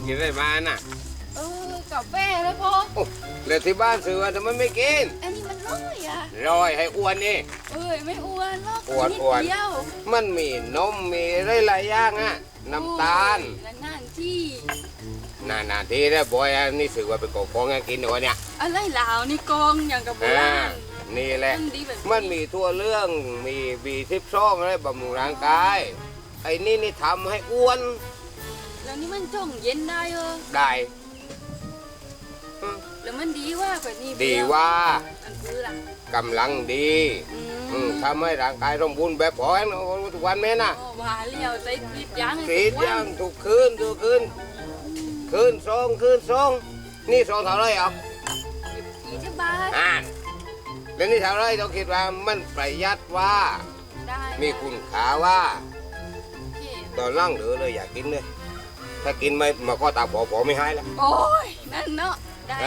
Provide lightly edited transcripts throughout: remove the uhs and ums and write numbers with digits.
กินอะไรมาน่ะกาแฟเลยพ่อโอ้แล้วที่บ้านซื้อทำไมไม่กินอันนี้มันร้อยอ่ะร้อยให้อ้วนนี่ไม่อ้วนหรอกอ้วนมันมีนมมีหลายอย่างอ่ะน้ำตาลนานที่นานที่ได้บ่อยอันนี้ถือว่าเป็นของของกินวะเนี่ยอะไรเหล่านี่กองอย่างกับโบราณนี่แหละมันมีทั่วเรื่องมีB12อะไรบำรุงร่างกายไอ้นี่ทำให้อ้วนแล้วนี่มันจ่องเย็นได้ได้แล้วมันดีว่าแบบนี้ดีว่าอันคือล่ะกำลังดีทำให้ร่างกายสมบูรณ์แบบพอทุกวันแม่น่ะว่าเลี้ยวใจติดยังทุกคืนคืนสองนี่สองเท่าไรอ่ะ 20 บาทแล้วนี่เท่าไรเราคิดว่ามันประหยัดว่ามีคุณค่าว่าตอนล่างเหลือเลยอยากกินเลยถ้ากินไม่มาก็ตาผอไม่หายแล้วโอ้ยนั่นเนาะ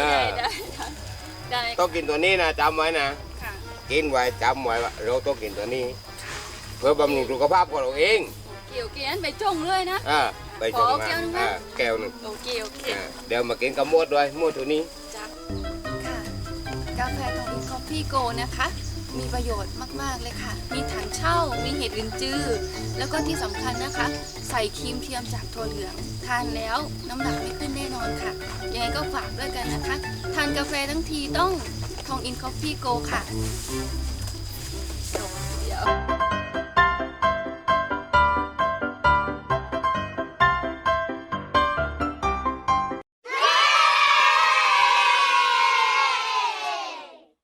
ได้ต้องกินตัวนี้นะจำไว้นะกินไว้จำไว้ว่าเราต้องกินตัวนี้เพื่อบำรุงสุขภาพของเราเองเกี่ยวกันไปจงเลยนะไปจงมาแก้วหนึ่งโอเคเดี๋ยวมากินกับมวดด้วยมวดตัวนี้ค่ะกาแฟทองอินคอฟฟี่โกนะคะมีประโยชน์มากๆเลยค่ะมีถังเช่ามีเห็ดลินจื้อแล้วก็ที่สำคัญนะคะใส่ครีมเทียมจากถั่วเหลืองทานแล้วน้ำหนักไม่ขึ้นแน่นอนค่ะยังไงก็ฝากด้วยกันนะคะทานกาแฟทั้งทีต้องทองอินคอฟฟี่โกค่ะเดี๋ยว